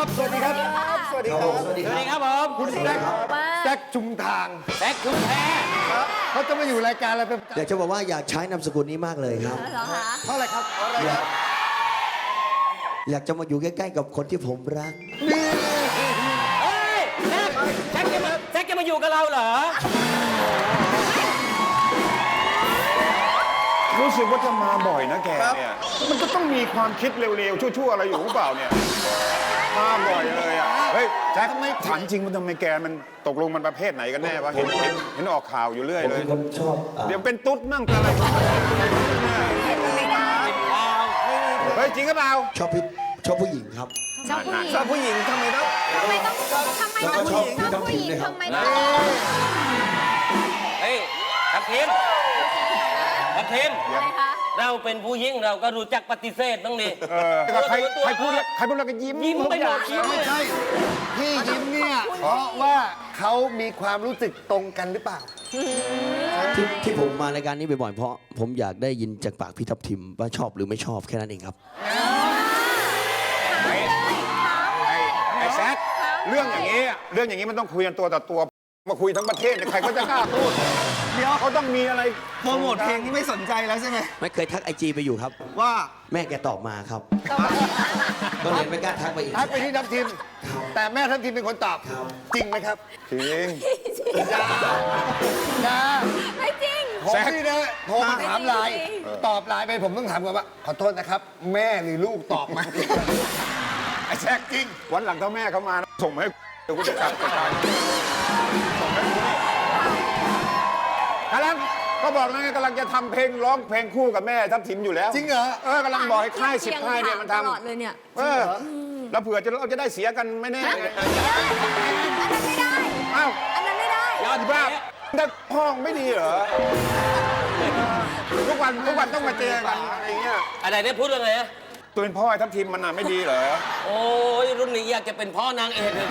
ครับสวัสดีครับสวัสดีครับสวัสดีครับผมคุณแซคจุงทางแซคจุงแพเขาจะมาอยู่รายการอะไรเป็นอยากจะบอกว่าอยากใช้นามสกุลนี้มากเลยครับเพราะอะไรครับอยากจะมาอยู่ใกล้ๆกับคนที่ผมรักเฮ้ยแจ็คจะมาอยู่กับเราเหรอรู้สึกว่าจะมาบ่อยนะแกเนี่ยมันก็ต้องมีความคิดเร็วๆชั่วๆอะไรอยู่หรือเปล่าเนี่ยมาบ่อยเลยอ่ะเฮ้ยแจ็คถามจริงว่าทำไมแกมันตกลงมันประเภทไหนกันแน่วะเห็นออกข่าวอยู่เรื่อยเลยผมชอบเดี๋ยวเป็นตุ๊ดมั่งอะไรเฮ้ยจริงหรือเปล่าชอบผู้หญิงครับชอบผู้หญิงทำไมต้องผู้หญิงทำไมต้องเฮ้ยทัพทิมเราเป็นผู้หญิงเราก็รู้จักปฏิเสธต้องดิใครพูดแล้วก็ยิ้มไปหมดไม่ใช่ที่ยิ้มเนี่ยเพราะว่าเขามีความรู้สึกตรงกันหรือเปล่าที่ผมมารายการนี้บ่อยๆเพราะผมอยากได้ยินจากปากพี่ทัพทิมว่าชอบหรือไม่ชอบแค่นั้นเองครับไอ้แซคเรื่องอย่างนี้มันต้องคุยกันตัวต่อตัวมาคุยทั้งประเทศใครเขาจะกล้าพูดเดี๋ยวเขาต้องมีอะไรโปรโมทเพลงนี้ไม่สนใจแล้วใช่ไหมไม่เคยทักIGไปอยู่ครับว่าแม่แกตอบมาครับก็เลยไม่กล้าทักไปอีกทักไปที่ทัพทิมแต่แม่ทัพทิมเป็นคนตอบจริงไหมครับจริงไม่จริงผมนี่นะโทรมาถามไลน์ตอบไลน์ไปผมต้องถามก่อนว่าขอโทษนะครับแม่หรือลูกตอบมาไอ้แซกจริงวันหลังถ้าแม่เขามาส่งมาให้เดี๋ยวกูจะกลับไปตายกำลังก็บอกแล้วไงกำลังจะทำเพลงร้องเพลงคู่กับแม่ทัพทิมอยู่แล้วจริงเหรอกำลังบอกให้ค่าย10 ค่ายเนี่ยมันทำตลอดเลยเนี่ยแล้วเผื่อเราจะได้เสียกันไม่แน่อันนั้นไม่ได้อ้าวอันนั้นไม่ได้ยอดบ้าแต่พ้องไม่ดีเหรอทุกวันต้องมาเจอกันอะไรเงี้ยอะไรเนี่ยพูดว่าไงอะตัวเป็นพ่อทัพทิมมันไม่ดีเหรอโอ้ยรุ่นนี้อยากจะเป็นพ่อนางเอกเลย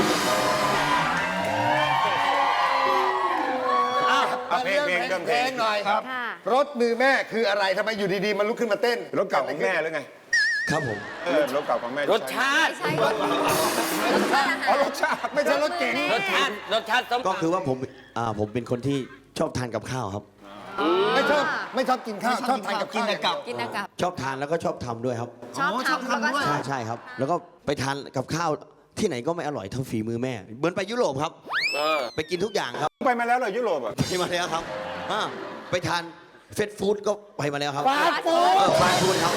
เพลงหน่อยครับรถมือแม่คืออะไรทำไมอยู่ดีๆมันลุกขึ้นมาเต้นรถเก่าของแม่หรือไงครับผมรถเก่าของแม่รสชาติรสชาติไม่ใช่รถเก๋งรสชาติก็คือว่าผมเป็นคนที่ชอบทานกับข้าวครับไม่ชอบกินข้าวชอบทานกับข้าวกินกับชอบทานแล้วก็ชอบทำด้วยครับชอบทำแล้วก็ใช่ครับแล้วก็ไปทานกับข้าวที่ไหนก็ไม่อร่อยเท่าฝีมือแม่เหมือนไปยุโรปครับไปกินทุกอย่างครับไปมาแล้วเหรอยุโรปอ่ะไปมาแล้วครับไปทานเฟสต์ฟู้ดก็ไปมาแล้วครับฟาสต์ฟู้ดครับ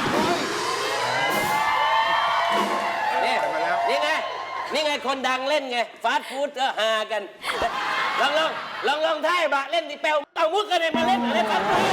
นี่ไงคนดังเล่นไงฟาสต์ฟู้ดก็หากันลองท่ายบะเล่นดิเปลวเอามุกกันเลยมาเล่นอะไรฟาสต์ฟู้ด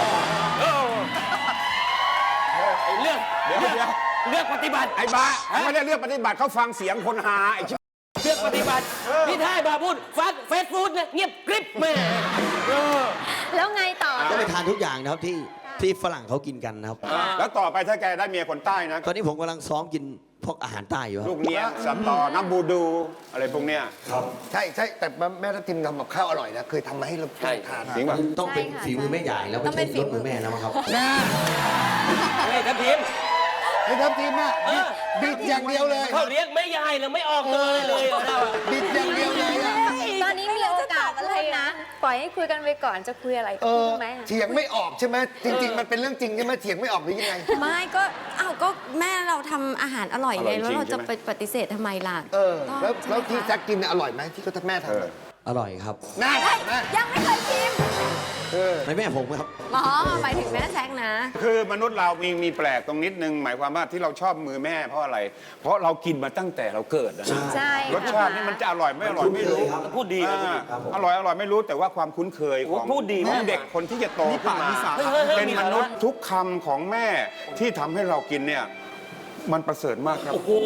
เลือกปฏิบัติไอ้บ้าไม่ได้เลือกปฏิบัติเขาฟังเสียงคนหาไอ้เลือกปฏิบัติพี่ท่ายบาพูดเฟสฟู้ดนะเงียบกริบแม่แล้วไงต่อก็ไปทานทุกอย่างนะครับที่ฝรั่งเขากินกันนะครับแล้วต่อไปถ้าแกได้เมียคนใต้นะตอนนี้ผมกำลังซ้อมกินพวกอาหารใต้อยู่ลูกเนี้ยสับต่อน้ำบูดูอะไรพวกเนี้ยครับใช่แต่แม่ทัพทิมทำกับข้าวอร่อยนะเคยทำมาให้เราทานจริงป่ะต้องเป็นฝีมือแม่ใหญ่แล้วไม่ใช่รสมือแม่นะครับทัพทิมไอ้ทัพทิมอะบิดอย่างเดียวเลยเขาเรียกไม่ยายแล้วไม่ออกเลยบิดอย่างเดียวเลยตอนนี้มีโอกาสอะไรนะปล่อยให้คุยกันไปก่อนจะคุยอะไรพูดไหมเถียงไม่ออกใช่ไหมจริงๆมันเป็นเรื่องจริงใช่ไหมเถียงไม่ออกหรือยังไงไม่ก็แม่เราทำอาหารอร่อยไงแล้วเราจะไปปฏิเสธทำไมล่ะแล้วที่แซกกินอร่อยไหมที่เขาแม่ทำอร่อยครับยังไม่เคยชิมไม่แม่ผมครับหมายถึงแม่แซกนะคือมนุษย์เรามีแปลกตรงนิดนึงหมายความว่าที่เราชอบมือแม่เพราะอะไรเพราะเรากินมาตั้งแต่เราเกิดนะใช่รสชาตินี่มันจะอร่อยไม่อร่อยไม่รู้พูดดีอร่อยไม่รู้แต่ว่าความคุ้นเคยของเด็กคนที่จะโตขึ้นมาเป็นมนุษย์ทุกคำของแม่ที่ทำให้เรากินเนี่ยมันประเสริฐมากครับโอ้โห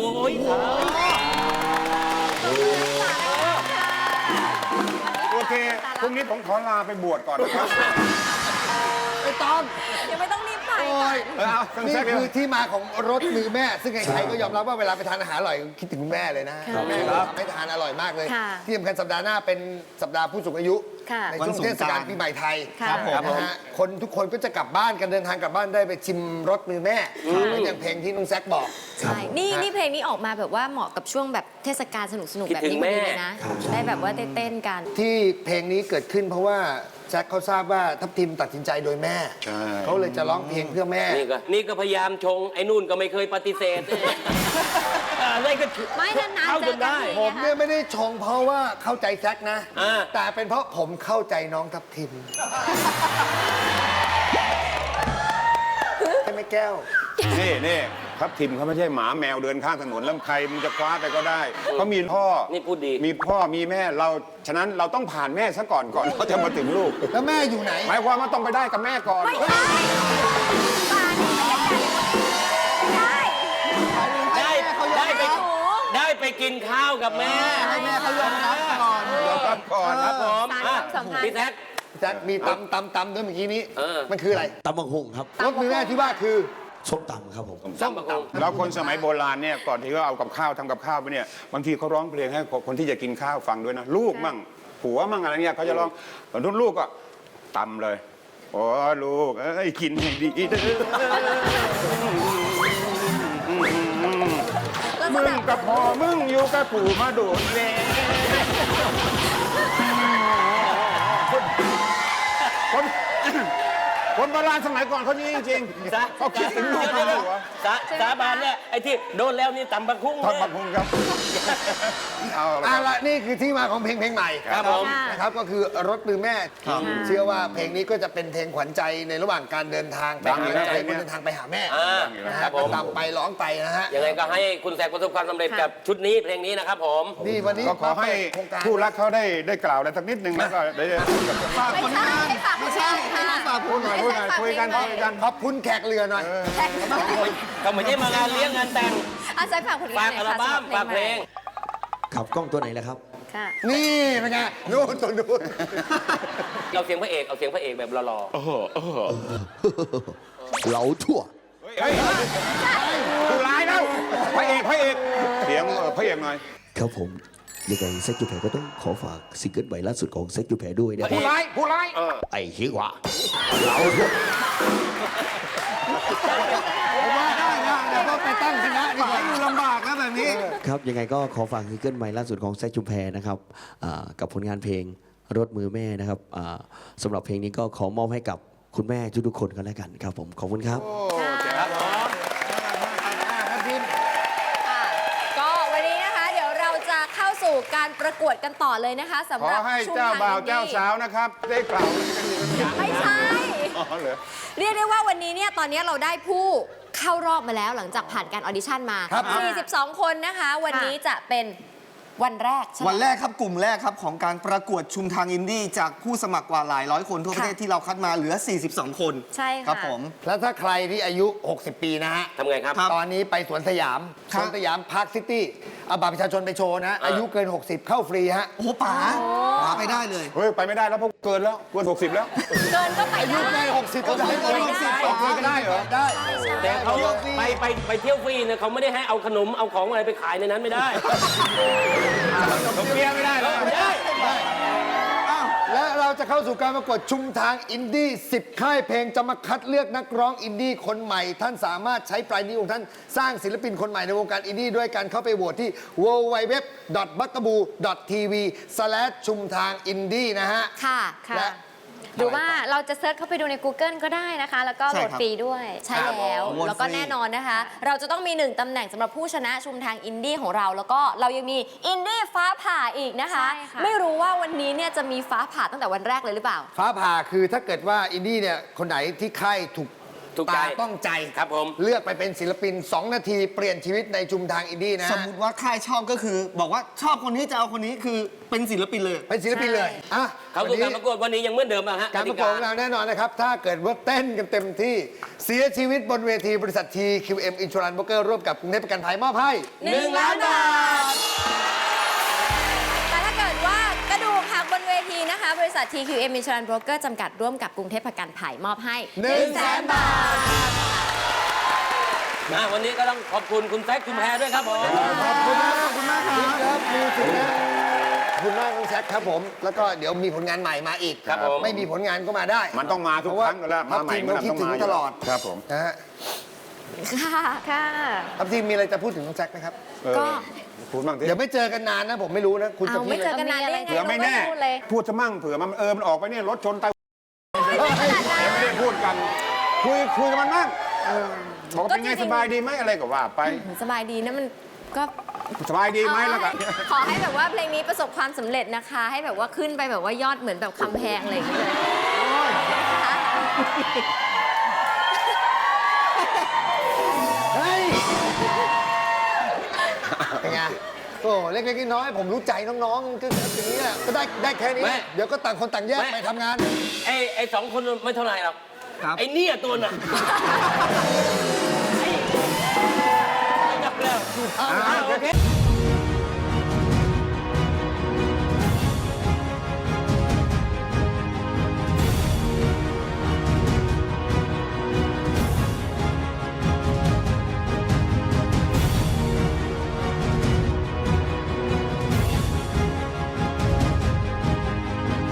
โอเคพรุ่งนี้ผมขอลาไปบวชก่อนนะครับไม่ต้องยังไม่ต้องรีบไปนี่คือที่มาของรสมือแม่ซึ่งใครๆก็ยอมรับว่าเวลาไปทานอาหารอร่อยคิดถึงคุณแม่เลยนะแม่ทำให้ทานอร่อยมากเลยที่สำคัญสัปดาห์หน้าเป็นสัปดาห์ผู้สูงอายุค่ะในช่วงเทศกาลปีใหม่ไทยครับผมนะฮะคนทุกคนก็จะกลับบ้านกันเดินทางกลับบ้านได้ไปชิมรสมือแม่เหมือนอย่างเพลงที่น้องแซคบอกใช่นี่เพลงนี้ออกมาแบบว่าเหมาะกับช่วงแบบเทศกาลสนุกๆแบบนี้พอดีเลยนะ ได้แบบว่าเต้นๆกันที่เพลงนี้เกิดขึ้นเพราะว่าแจ็คเขาทราบว่าทัพทิมตัดสินใจโดยแม่ใช่เขาเลยจะร้องเพลงเพื่อแม่นี่ก็พยายามชงไอ้นู่นก็ไม่เคยปฏิเสธอะไรก็ไม่นานๆเข้าเจจอน กันได้ทีผมเนี่ยไม่ได้ชงเพราะว่าเข้าใจแจ็คนะอ่าแต่เป็นเพราะผมเข้าใจน้องทัพทิมใช่ไหมแก้วนี่ครับทิมเขาไม่ใช่หมาแมวเดินข้างถนนแล้วใครมึงจะคว้าไปก็ได้เขามีพ่อนี่พูดดีมีพ่อมีแม่เราฉะนั้นเราต้องผ่านแม่ซะก่อนเขาจะมาถึงลูกแล้วแม่อยู่ไหนหมายความว่าต้องไปได้กับแม่ก่อนไม่ใช่ป่านี่ไม่ใช่ได้ไปกินข้าวกับแม่ให้แม่เขายอมรับก่อนยอมรับก่อนครับผมสารความสัมพันธ์พี่แท็กแจ็คมีตำด้วยเมื่อกี้นี้เออมันคืออะไรตำบักหุ่งครับรสมือแม่ที่ว่าคือส้มตำครับผมส้มบักหุ่งแล้วคนสมัยโบราณเนี่ยก่อนที่เขาเอากับข้าวทำกับข้าวไปเนี่ยบางทีเขาร้องเพลงให้คนที่จะกินข้าวฟังด้วยนะลูกมั่งผัวมั่งอะไรเนี่ยเขาจะร้องตอนทุนลูกก็ตำเลยโอ้ลูกเอ้ยกินให้ดีเด้อมึงกับพ่อมึงอยู่กับปู่มาโดนแลคนโบราณสมัยก่อนเขานี้จริงๆเขาคิดถึงลูกเขาหัวสาบานเนี่ยไอ้ที่โดนแล้วนี่ตำบักหุ่งทอดบักฮุงครับเอาละครับละนี่คือที่มาของเพลงใหม่ครับผมนะครับก็คือรถมือแม่เชื่อว่าเพลงนี้ก็จะเป็นเพลงขวัญใจในระหว่างการเดินทางไปดังอยู่นะหาเพลงเนี้ยเดินทางไปหาแม่ นะฮะครับผก็มตามไปร้องไปนะฮะยังไงก็ให้คุณแซกประสบความสำเร็จกับชุดนี้เพลงนี้นะครับผมนี่วันนี้ก็ขอให้โครงการผู้รักเขาได้กล่าวอะไรสักนิดนึงแล้วก็ได้ไม่ใช่ให้ฝากไม่ใช่ค่ะพูดหน่อยคุยกันขอบคุณแขกเรือหน่อยก็ไม่ใช่มางานเลี้ยงงานแต่งอาศัยฝากผลงาฝาน กหน่อัอยลค่ะบั้มสำหฝารักบเพลงขับกล้องตัวไหนแล้วครับค่ะนี่เป็นไงนู่นตัวนู่นเอาเสียงพระเอกเอาเสียงพระเอกแบบหล่อเหลาทั่วเฮ้ยผู้ร้ายแล้วพระเอกเสียงพระเอกหน่อยครับผมยังไงเซ็กจูแพรก็ต้องขอฝากซิงเกิลใหม่ล่าสุดของเซ็กจูแพรด้วยนะคผู้รับร้ายไอ้เหี้ยว่าเหลาทั่วผมว่าได้นะเดี๋ยวก็ไปตั้งคณะดีกว่าอยู่ลำบากนะแบบนี้ครับยังไงก็ขอฝากซิงเกิลใหม่ล่าสุดของแซคชุมแพรนะครับกับผลงานเพลงรถมือแม่นะครับสำหรับเพลงนี้ก็ขอมอบให้กับคุณแม่ทุกๆคนกันแล้วกันครับผมขอบคุณครับครับผมค่ะก็วันนี้นะคะเดี๋ยวเราจะเข้าสู่การประกวดกันต่อเลยนะคะสำขหอรับให้ช่วงเจ้าทางบ่าวอินดี้เจ้าสาวนะครับ ได้กล่าวกันอยู่ไม่ใช่อ๋อเหรอเรียกได้ว่าวันนี้เนี่ยตอนนี้เราได้ผู้เข้ารอบมาแล้วหลังจากผ่านการออดิชั่นมาครับ 42 คนนะคะ วันนี้จะเป็นวันแรกใช่ไหมวันแรกครับกลุ่มแรกครับของการประกวดชุมทางอินดี้จากผู้สมัครกว่าหลายร้อยคนทั่วประเทศค่ะที่เราคัดมาเหลือ 42 คนใช่ค่ะครับผมแล้วถ้าใครที่อายุ 60 ปีนะฮะทำไงครับครับตอนนี้ไปสวนสยามครัสบวนสยามพาร์คซิตี้เอาบัตรประชาชนไปโชว์นะ อายุเกิน 60 เข้าฟรีฮะโอ้โหป๋าไปได้เลยเฮ้ย ไปไม่ได้แล้วเพราะเกินแล้วเกิน60 แล้วเกินก็ไปอายุได้เกิน 60ก็จะให้เกิน 60ก็ได้เหรอได้แต่เขาไปเที่ยวฟรีเนี่ยเขาไม่ได้ให้เอาขนมเอาของอะไรไปขายในนั้นไม่ได้ผมเบียร์ไม่ได้แล้วไม่ได้และเราจะเข้าสู่การประกวดชุมทางอินดี้ 10 ค่ายเพลงจะมาคัดเลือกนักร้องอินดี้คนใหม่ ท่านสามารถใช้ปลายนิ้วของท่านสร้างศิลปินคนใหม่ในวงการอินดี้ด้วยการเข้าไปโหวตที่ www.bugaboo.tv/ ชุมทางอินดี้นะฮะค่ะและหรือว่าเราจะเซิร์ชเข้าไปดูใน Google ก็ได้นะคะ แล้วก็โหลดใช่ครับฟรีด้วยใช่แล้วโหวตแล้วก็ฟรีแน่นอนนะคะ เราจะต้องมี1ตำแหน่งสำหรับผู้ชนะชุมทางอินดี้ของเรา แล้วก็เรายังมีอินดี้ฟ้าผ่าอีกนะคะใช่ค่ะไม่รู้ว่าวันนี้เนี่ยจะมีฟ้าผ่าตั้งแต่วันแรกเลยหรือเปล่าฟ้าผ่าคือถ้าเกิดว่าอินดี้เนี่ยคนไหนที่ค่ายถูกถูกใจตาต้องใจครับผมเลือกไปเป็นศิลปิน 2 นาทีเปลี่ยนชีวิตในชุมทางอินดี้นะสมมติว่าค่ายชอบก็คือ บอกว่าชอบคนนี้จะเอาคนนี้คือเป็นศิลปินเลยเป็นศิลปินเลยอ่ะเขาวันสู่นี้การประกวดวันนี้ยังเหมือนเดิมอะฮะการประกวดของเราแน่นอนนะครับ ถ้าเกิดว่าเต้นกันเต็มที่เสียชีวิตบนเวทีบริษัท TQM Insurance Broker ร่วมกับกรุงเทพประกันภัยมอบให้ 1 ล้านบาท แต่ถ้าเกิดว่ากระดูกหักบนเวทีนะคะ บริษัท TQM Insurance Broker จำกัดร่วมกับกรุงเทพประกันภัยมอบให้ 100,000 บาทวันนี้ก็ต้องขอบคุณคุณแซคชุมแพรด้วยครับผมขอบคุณมากครับมีสิทธิ์นะคุณมากน้องแซคครับผม แล้วก็เดี๋ยวมีผลงานใหม่มาอีกครับผมไม่มีผลงานก็มาได้มันต้องมาทุกครั้งอยู่แล้วทัพมาใหม่ทีมมันเราคิดต้องถึงมาอยู่ตลอดครับผมนะฮะค่ะค่ะทัพทีมมีอะไรจะพูดถึงน้องแซคไหมครับก็พูดบ้างสิเดี๋ยวไม่เจอกันนานนะผมไม่รู้นะคุณจะเอาพูดไม่เจออะไรกันนานได้ไงเผื่อไม่แน่พูดเลยพูดซะมั่งเผื่อมันมันออกไปเนี่ยรถชนตายไม่ได้พูดกัน คุยกันมันมั่งบอกว่าเป็นไงสบายดีไหมอะไรก็ว่าไปสบายดีนะมันก็สบายดีไหมแล้วก็ขอให้แบบว่าเพลงนี้ประสบความสำเร็จนะคะ ให้แบบว่าขึ้นไปแบบว่ายอดเหมือนแบบคำแพงอะไรอย่างเงี้ยเลยนะคะเฮ้ยเป็นไงโอ้เล็กๆน้อยๆผมรู้ใจน้องๆก็อย่างนี้แหละก็ได้แค่นี้ เดี๋ยวก็ต่างคนต่างแยกไปทำงานไอ้สองคนไม่เท่าไหร่หรอกครับไอ้เนี่ยตัวน่ะไอ้กลับแล้วโอเค